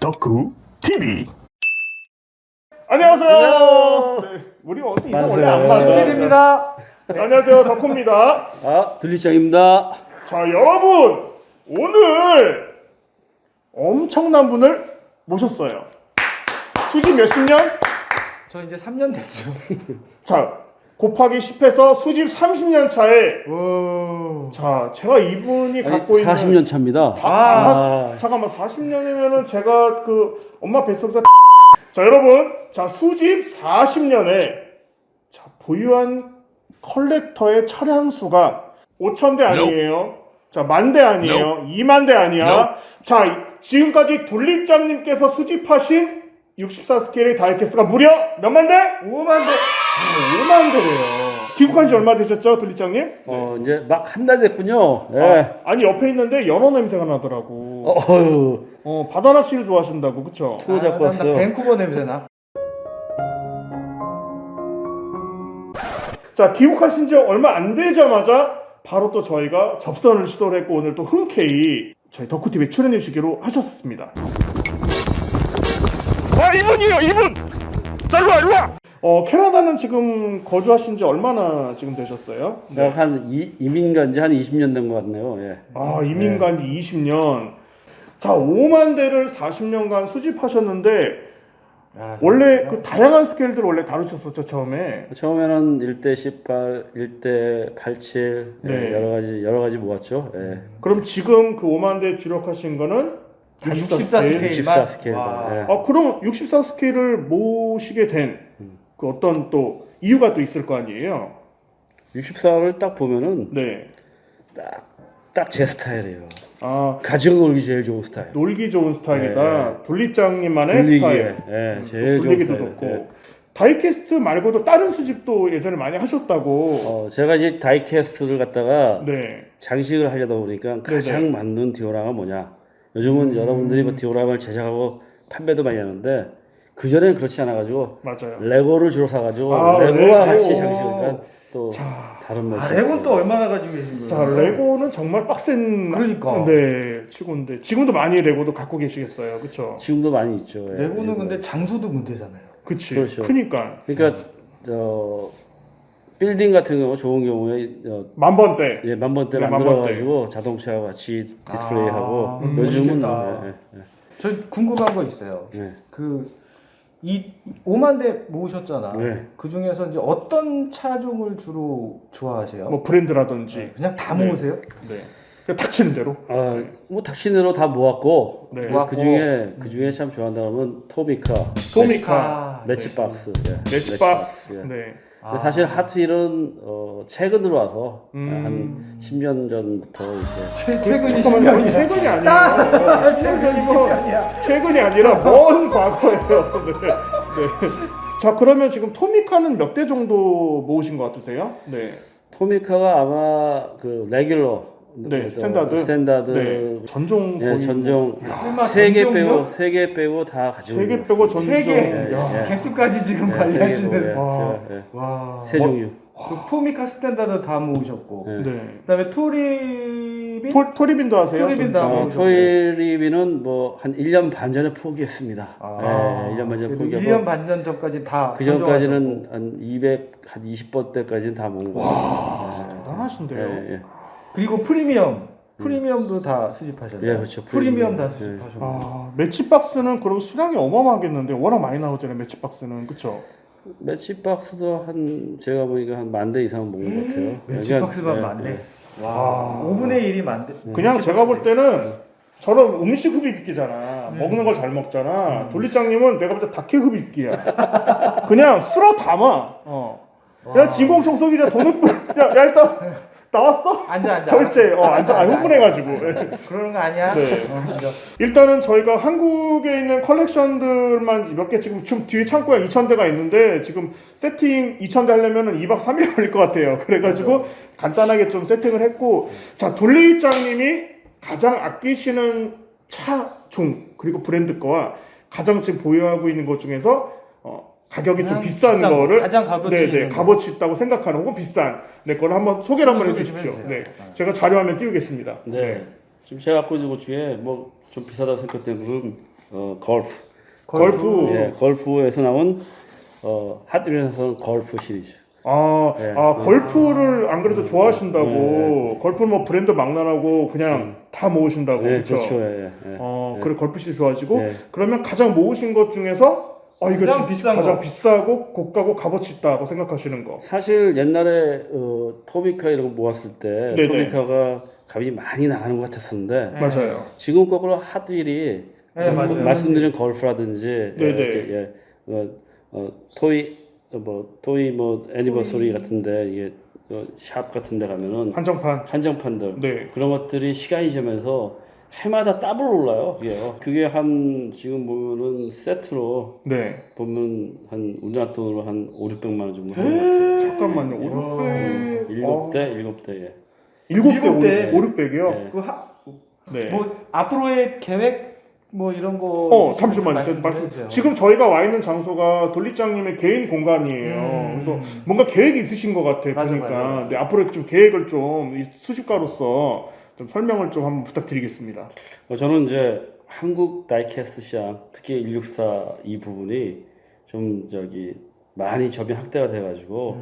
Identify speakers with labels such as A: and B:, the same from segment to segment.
A: 덕후 TV.
B: 안녕하세요. 네, 우리 어디 이거 원래 안 맞아.
C: PD입니다.
B: 네, 안녕하세요, 덕후입니다.
D: 둘리짱입니다.
B: 자, 여러분 오늘 엄청난 분을 모셨어요. 수집 몇십 년?
C: 저 이제 3년 됐죠.
B: 자, 곱하기 10해서 수집 30년 차에 자, 제가 이분이 갖고 있는
D: 40년 차입니다.
B: 잠깐만 40년이면은 제가 그 엄마 뱃속에서 자, 여러분, 자, 수집 40년에 자, 보유한 컬렉터의 차량 수가 5,000대 아니에요. 자, 10,000대 아니에요. 20,000대 아니야. 자, 지금까지 둘리짱님께서 수집하신 64 스케일의 다이캐스트가 무려 몇만 대?
C: 5만 대.
B: 5만 대래요. 귀국한 지 얼마 되셨죠, 둘리짱님?
D: 이제 막 한 달 됐군요. 예.
B: 아니, 옆에 있는데 연어 냄새가 나더라고.
D: 어휴.
B: 바다 낚시를 좋아하신다고, 그쵸?
D: 투어 잡고 왔어.
C: 밴쿠버 냄새나.
B: 자, 귀국하신 지 얼마 안 되자마자 바로 또 저희가 접선을 시도를 했고 오늘 또 흔쾌히 저희 덕후TV에 출연해 주시기로 하셨습니다. 이분이요, 이분! 자, 일로와! 캐나다는 지금 거주하신 지 얼마나 지금 되셨어요?
D: 내가 이민 간 지 한 20년 된 것 같네요. 예.
B: 이민 간 지 20년. 자, 5만 대를 40년간 수집하셨는데 원래 그 다양한 스케일들 원래 다루셨었죠, 처음에?
D: 처음에는 1대 18, 1대 87
B: 네.
D: 여러 가지 모았죠. 예.
B: 그럼 지금 그 5만 대 주력하신 거는
C: 64
B: 스케일?
C: 스케일.
D: 64 스케일.
C: 와.
D: 예.
B: 그럼 64 스케일을 모시게 된 그 어떤 또 이유가 또 있을 거 아니에요?
D: 64를 딱 보면은
B: 네.
D: 딱 제 스타일이에요. 가지고 놀기 제일 좋은 스타일.
B: 놀기 좋은 스타일이다.
D: 네.
B: 둘리짱님만의
D: 돌리기에,
B: 스타일.
D: 예, 제일 좋은
B: 돌리기도
D: 스타일.
B: 좋고.
D: 예.
B: 다이캐스트 말고도 다른 수집도 예전에 많이 하셨다고.
D: 제가 이제 다이캐스트를 갖다가
B: 네.
D: 장식을 하려다 보니까 가장
B: 네네.
D: 맞는 디오라마 뭐냐. 요즘은 여러분들이 뭐 디오라마를 제작하고 판매도 많이 하는데 그전에는 그렇지 않아가지고
B: 맞아요.
D: 레고를 주로 사가지고
B: 레고.
D: 레고와 같이 장식하니까 또 다른 모습.
C: 레고는 또 얼마나 가지고 계신 거예요?
B: 자, 레고는 정말 빡센
C: 그러니까.
B: 네, 치고인데 지금도 많이 레고도 갖고 계시겠어요. 그렇죠?
D: 지금도 많이 있죠. 예.
C: 레고는 근데 장소도 문제잖아요.
B: 그치.
D: 그렇죠.
B: 크니까.
D: 그러니까 빌딩 같은 경우 좋은 경우에
B: 만번대.
D: 예, 만번대
B: 네,
D: 만들어가지고 자동차와 같이 디스플레이하고 요즘은
C: 멋있겠다.
D: 예.
C: 저 궁금한 거 있어요.
D: 예.
C: 이 5만 대 모으셨잖아.
D: 네.
C: 그 중에서 이제 어떤 차종을 주로 좋아하세요?
B: 뭐 브랜드라든지.
C: 그냥 다
B: 네.
C: 모으세요?
B: 네. 그냥 닥치는 대로.
D: 뭐 닥치대로 다 모았고
B: 네.
D: 그 중에 참 좋아한다면 토미카,
B: 토미카,
D: 매치박스,
B: 매치박스.
D: 예.
B: 네.
D: 근데 사실 핫휠은 최근으로 와서
B: 음.
D: 한 10년 전부터 이제
C: 최근이
B: 잠깐만요.
C: 10년이야.
B: 최근이 아니에요. 최근이 아니라 먼 과거예요. 네. 네. 자, 그러면 지금 토미카는 몇 대 정도 모으신 것 같으세요? 네.
D: 토미카가 아마 그 레귤러
B: 네, 스탠다드. 네. 전종
D: 예,
B: 거의
D: 전종
C: 설마
D: 세 개
C: 전종이요?
D: 빼고 3개 빼고 다 가지고
B: 3개 빼고 전종.
C: 세 개.
D: 예.
C: 개수까지 지금 관리하시는.
B: 와.
C: 와.
D: 세 종류.
C: 그 토미카 스탠다드 다 모으셨고.
D: 예.
B: 네.
C: 그다음에 토리빈.
B: 토리빈도 하세요?
C: 토리빈도 하고.
D: 토이리비는 뭐 한 1년 반 전에 포기했습니다. 1년 반 전에 포기하고
C: 1년 반 전까지 다.
D: 그 전까지는 한 20번대까지는 다 먹은 거예요.
B: 대단하신데요.
D: 예.
C: 그리고 프리미엄도 다 수집하셨어요.
D: 예, 그렇죠.
C: 프리미엄 다
D: 예.
C: 수집하셨고.
B: 매치박스는 그럼 수량이 어마어마하겠는데 워낙 많이 나오잖아요. 매치박스는. 그쵸?
D: 매치박스도 제가 보니까 한 10,000대 이상 먹은 것 같아요.
C: 매치박스만
D: 그러니까,
C: 많네.
D: 예.
C: 와. 5분의 1이 많대.
B: 그냥 제가 볼 때는 저런 음식 흡입기잖아. 먹는 걸 잘 먹잖아. 돌리장님은 내가 볼 때 다케 흡입기야. 그냥 쓸어 담아. 야, 진공청소기냐 돈을 야, 일단 나왔어?
C: 앉아.
B: 결제. 앉아. 흥분해가지고.
C: 그러는 거 아니야?
B: 네.
C: 앉아.
B: 일단은 저희가 한국에 있는 컬렉션들만 몇 개 지금 뒤에 창고에 2,000대가 있는데 지금 세팅 2,000대 하려면 2박 3일 걸릴 것 같아요. 그래가지고 간단하게 좀 세팅을 했고, 자, 돌리장님이 가장 아끼시는 차종 그리고 브랜드 거와 가장 지금 보유하고 있는 것 중에서 가격이 좀 비싼 거를
C: 가장 값어치 있는 거.
B: 값어치 있다고 생각하는 혹은 비싼 내 거를 한번 소개를 한번
C: 소개 좀
B: 해주십시오.
C: 해주세요.
B: 네, 제가 자료화면 띄우겠습니다.
D: 네. 지금 제가 갖고 있는 것 중에 뭐 좀 비싸다고 생각되는
B: 골프.
D: 예, 골프에서 나온 핫윌에서 골프 시리즈. 예.
B: 골프를 안 그래도 좋아하신다고. 골프 뭐 브랜드 막론하고 그냥 다 모으신다고.
D: 예,
B: 그렇죠.
D: 그렇죠. 예, 예.
B: 그래 골프 시리즈 좋아하시고
D: 예.
B: 그러면 가장 모으신 것 중에서 이거
C: 가장 비싼
B: 가장
C: 거.
B: 비싸고 고가고 값어치 있다고 생각하시는 거.
D: 사실 옛날에 토미카 이런 거 모았을 때
B: 네네.
D: 토미카가 값이 많이 나가는 것 같았었는데
C: 네.
B: 맞아요.
D: 지금 거꾸로 핫윌이
C: 네, 맞아요.
D: 말씀드린 골프라든지
B: 네네.
D: 이렇게 토이 뭐 애니버서리 같은데 이게 샵 같은데 가면은
B: 한정판.
D: 한정판들
B: 네.
D: 그런 것들이 시간이 지나면서 해마다 더블 올라요. 그게 한 지금 보면은 세트로
B: 네.
D: 보면 한 우리나라 돈으로 한 5,600만 원 정도 하는 것 같아요.
B: 잠깐만요. 5,600.
D: 7대 예.
B: 7대
C: 7대.
B: 5,600이요?
D: 네.
B: 네.
C: 뭐 앞으로의 계획 뭐 이런 거
B: 잠시만요. 지금 저희가 와 있는 장소가 돌리장님의 개인 공간이에요. 그래서 뭔가 계획이 있으신 것 같아요.
C: 맞아,
B: 보니까.
C: 맞아.
B: 네, 앞으로 좀 계획을 좀 이 수집가로서 좀 설명을 좀 한번 부탁드리겠습니다.
D: 저는 이제 한국 다이캐스트 시장 특히 164 이 부분이 좀 많이 접이 확대가 돼가지고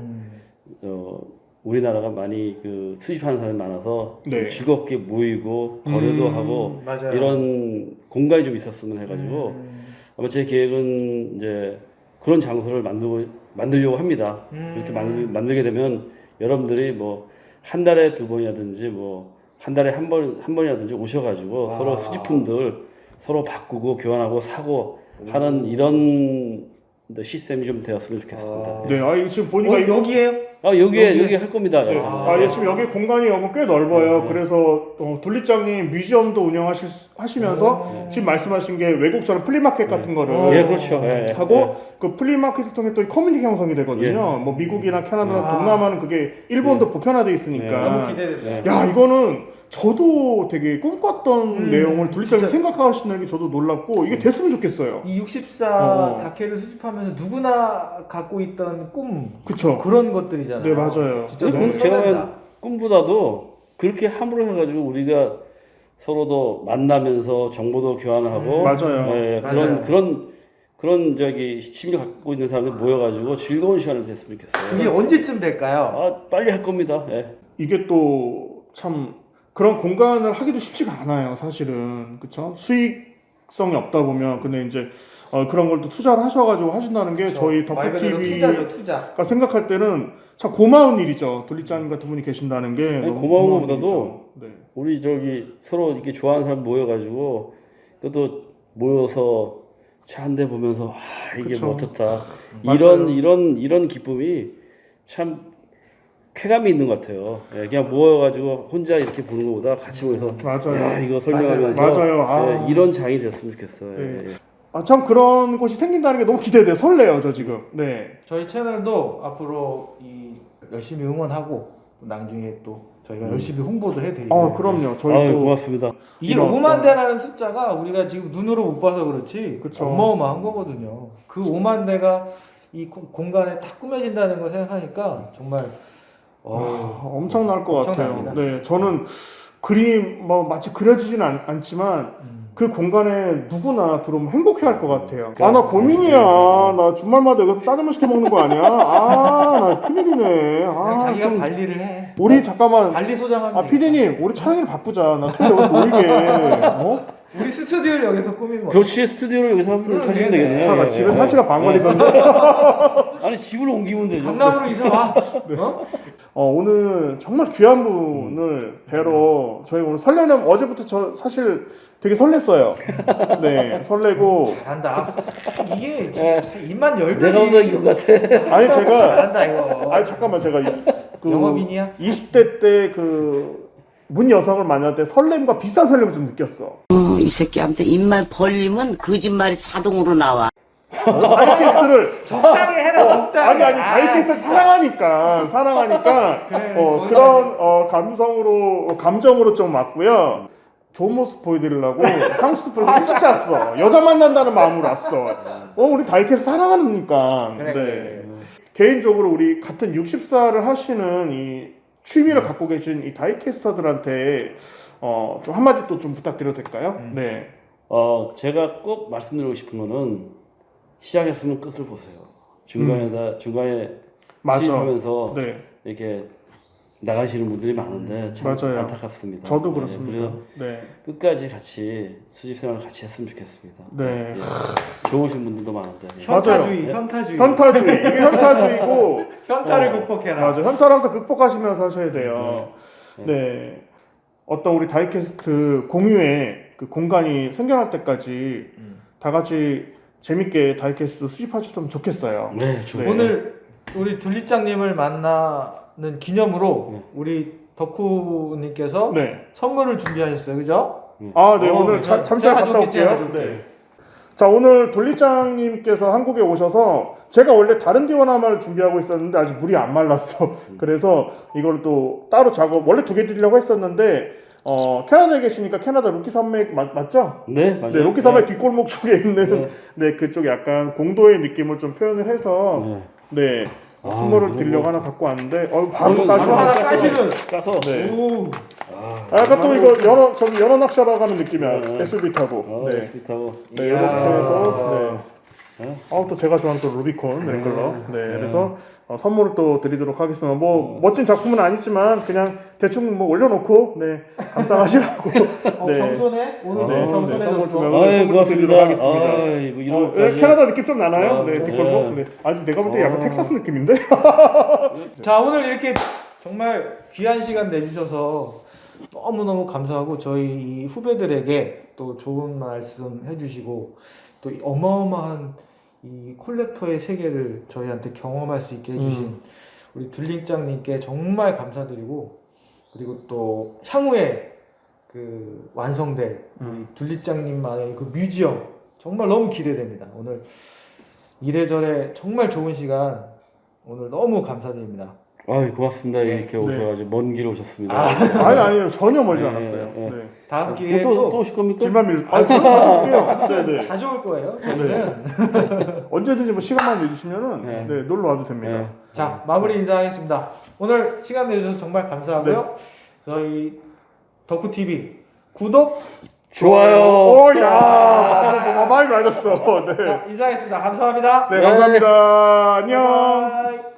D: 우리나라가 많이 그 수집하는 사람이 많아서 좀
B: 네.
D: 즐겁게 모이고 거래도 하고
C: 맞아요.
D: 이런 공간이 좀 있었으면 해가지고 아마 제 계획은 이제 그런 장소를 만들려고 합니다. 그렇게 만들게 되면 여러분들이 뭐 한 달에 2번이라든지 뭐 한 달에 한 번이라든지 오셔가지고 서로 수집품들 서로 바꾸고 교환하고 사고 하는 이런 시스템이 좀 되었으면 좋겠습니다.
B: 네, 지금 보니까
C: 여기에요?
D: 여기 할 겁니다.
B: 네. 예, 지금 여기 공간이 꽤 넓어요. 그래서 둘리장님 뮤지엄도 운영하시면서 지금 말씀하신 게 외국처럼 플리마켓 같은 거를
D: 예, 그렇죠. 예,
B: 하고 그 플리마켓을 통해 또 커뮤니티 형성이 되거든요. 뭐 미국이나 캐나다나 동남아는 그게 일본도 보편화돼 있으니까.
C: 너무 기대된다.
B: 야, 이거는 저도 되게 꿈꿨던 내용을 둘리장님 생각하시는 게 저도 놀랍고 이게 됐으면 좋겠어요.
C: 이 64 다케를 수집하면서 누구나 갖고 있던 꿈
B: 그쵸.
C: 그런 것들이잖아요.
B: 네, 맞아요.
C: 진짜
D: 근데
C: 너무
D: 제가
C: 설렌다.
D: 보면 꿈보다도 그렇게 함으로 해가지고 우리가 서로도 만나면서 정보도 교환하고
B: 맞아요.
D: 예,
C: 맞아요.
D: 그런 심리 갖고 있는 사람들 모여가지고 즐거운 시간을 됐으면 좋겠어요.
C: 그게 언제쯤 될까요?
D: 빨리 할 겁니다. 예.
B: 이게 또 참 그런 공간을 하기도 쉽지가 않아요, 사실은. 그쵸? 수익성이 없다 보면. 근데 이제 그런 걸 또 투자를 하셔가지고 하신다는 게 저희
C: 말 그대로
B: 덕후TV가
C: 투자죠, 투자.
B: 생각할 때는 참 고마운 일이죠. 둘리짱님 같은 분이 계신다는 게.
D: 아니,
B: 너무
D: 고마운
B: 고마운
D: 것보다도
B: 일이죠. 네.
D: 우리 서로 이렇게 좋아하는 사람 모여가지고 또 모여서 차 한 대 보면서 이게
B: 그쵸.
D: 뭐 어떻다
B: 맞아요.
D: 이런 기쁨이 참 쾌감이 있는 것 같아요. 예, 그냥 모여가지고 혼자 이렇게 보는 것보다 같이 모여서
B: 맞아요.
D: 이거 설명하면서
B: 맞아요.
D: 이런 장이 됐으면 좋겠어요.
B: 네.
D: 예.
B: 참 그런 곳이 생긴다는 게 너무 기대돼. 설레요, 저 지금. 네.
C: 저희 채널도 앞으로 열심히 응원하고 또 나중에 또 저희가 열심히 홍보도 해드리고.
B: 그럼요. 저희 또
D: 고맙습니다.
C: 이게
B: 이런
C: 5만 대라는 숫자가 우리가 지금 눈으로 못 봐서 그렇지
B: 그쵸.
C: 어마어마한 거거든요. 그 5만 대가 이 공간에 딱 꾸며진다는 걸 생각하니까 정말
B: 엄청날 것
C: 엄청납니다.
B: 같아요. 네, 저는 그림이 뭐 마치 그려지진 않지만 그 공간에 누구나 들어오면 행복해할 것 같아요. 나 고민이야. 나 주말마다 여기서 짜장면 시켜 먹는 거 아니야? 나 큰일이네.
C: 그냥 자기가
B: 좀
C: 관리를 해.
B: 우리 잠깐만.
C: 관리 소장하면
B: 피디님, 우리 촬영일 바쁘자. 나 좀 여기서 놀게.
C: 우리 스튜디오를 여기서 꾸미면
D: 그렇지 스튜디오를 여기서 하시면 되겠네요.
B: 차가
D: 예,
B: 집에
D: 예.
B: 1시간 반 걸리던데.
D: 아니 집을 옮기면 되죠.
C: 강남으로 이사 와.
B: 오늘 정말 귀한 분을 뵈러 저희 오늘 설레는 어제부터 저 사실 되게 설렜어요. 네, 설레고.
C: 잘한다. 이게 진짜 입만 열면
D: 내가 오늘 이거 같아.
B: 아니 제가
C: 잘한다 이거.
B: 잠깐만 제가
C: 영업인이야?
B: 20대 때 문 여성을 만날 때 설렘과 비싼 설렘을 좀 느꼈어.
A: 이 새끼한테 입만 벌리면 거짓말이 자동으로 나와.
B: 다이캐스트를
C: 적당히 해라 적당히.
B: 아니 다이캐스트 사랑하니까
C: 그래,
B: 그런 감정으로 좀 왔고요. 좋은 모습 보여드리려고 향수도 뿌리고 일찍 잤어. 여자 만난다는 마음으로 왔어. 우리 다이캐스트 사랑하니까.
C: 그래, 그래.
B: 개인적으로 우리 같은 60살을 하시는 이 취미를 갖고 계신 이 다이캐스터들한테 좀 한마디 또 좀 부탁드려도 될까요? 네.
D: 제가 꼭 말씀드리고 싶은 거는 시작했으면 끝을 보세요. 중간에
B: 맞아.
D: 시집하면서
B: 네.
D: 이렇게 나가시는 분들이 많은데 참
B: 맞아요.
D: 안타깝습니다.
B: 저도
D: 네,
B: 그렇습니다.
D: 그래서
B: 네.
D: 끝까지 같이 수집 생활을 같이 했으면 좋겠습니다.
B: 네.
D: 좋으신 분들도 많은데. 예.
C: 현타주의,
B: 맞아요.
C: 현타주의.
B: 현타주의. 이게 현타주의고
C: 현타를 극복해라.
B: 맞아. 현타를 항상 극복하시면서 하셔야 돼요. 네. 어떤 우리 다이캐스트 공유의 그 공간이 생겨날 때까지 다 같이 재밌게 다이캐스트 수집하셨으면 좋겠어요.
D: 네, 좋아요.
B: 네.
C: 오늘 우리 둘리짱님을 만나는 기념으로 우리 덕후님께서
B: 네.
C: 선물을 준비하셨어요, 그죠?
B: 아, 네.
D: 어,
B: 오늘
C: 제가
B: 잠시만 갔다
C: 가져올게, 제가
B: 올게요.
C: 가져올게.
B: 네. 자, 오늘 둘리짱님께서 한국에 오셔서 제가 원래 다른 디오나마를 준비하고 있었는데 아직 물이 안 말랐어. 그래서 이걸 또 따로 작업 원래 2개 드리려고 했었는데 캐나다에 계시니까 캐나다 로키 산맥 맞죠?
D: 네, 맞아요.
B: 네, 로키 산맥 뒷골목 쪽에 있는 네, 그쪽 약간 공도의 느낌을 좀 표현을 해서 네, 선물을
D: 이거
B: 드리려고
D: 뭐-
B: 하나 갖고 왔는데 바로
D: 이거
B: 까죠.
C: 하나 까시는.
D: 까서.
B: 네.
C: 오.
B: 약간 또 이거 연어 낚시하러 가는 느낌이야. SUV 타고. 네.
D: SB 타고.
B: 네, 이렇게 해서 네.
D: 네.
B: 또 제가 좋아하는 또 루비콘 랭글러. 네, 그래서 선물을 또 드리도록 하겠습니다. 뭐 멋진 작품은 아니지만 그냥 대충 뭐 올려놓고 네 감상하시라고. 네.
C: 겸손해? 오늘
B: 네,
C: 좀
B: 네, 선물
C: 겸손해졌어.
B: 주면
D: 아유,
B: 선물
D: 고맙습니다.
B: 드리도록 하겠습니다.
D: 아이고, 이런 것까지.
B: 캐나다 느낌 좀 나나요? 네,
D: 네.
B: 뒷골목. 네. 아니 내가 볼 때 약간 텍사스 느낌인데.
C: 자, 오늘 이렇게 정말 귀한 시간 내주셔서 너무너무 감사하고 저희 이 후배들에게 또 좋은 말씀 해주시고 또 이 어마어마한 이 콜렉터의 세계를 저희한테 경험할 수 있게 해주신 우리 둘링짱님께 정말 감사드리고 그리고 또 향후에 그 완성될 우리 둘리짱님만의 그 뮤지엄 정말 너무 기대됩니다. 오늘 이래저래 정말 좋은 시간 오늘 너무 감사드립니다.
D: 아유, 고맙습니다. 이렇게 오셔가지고 먼 길 오셨습니다.
B: 아니요 전혀 멀지
D: 네,
B: 않았어요.
D: 네.
B: 네.
C: 다음 기회에
D: 또 오실 겁니까?
B: 길만 밀. 저는 자주 올게요. 네, 네.
C: 자주 올 거예요. 저희는.
B: 언제든지 뭐 시간만 내주시면은
D: 네.
B: 네, 놀러 와도 됩니다.
D: 네.
C: 자, 마무리 인사하겠습니다. 오늘 시간 내주셔서 정말 감사하고요. 저희 덕후TV 구독,
D: 좋아요.
B: 많이 맞았어. 네.
C: 자, 인사하겠습니다. 감사합니다.
B: 네, 감사합니다. 안녕.
C: 바이바이.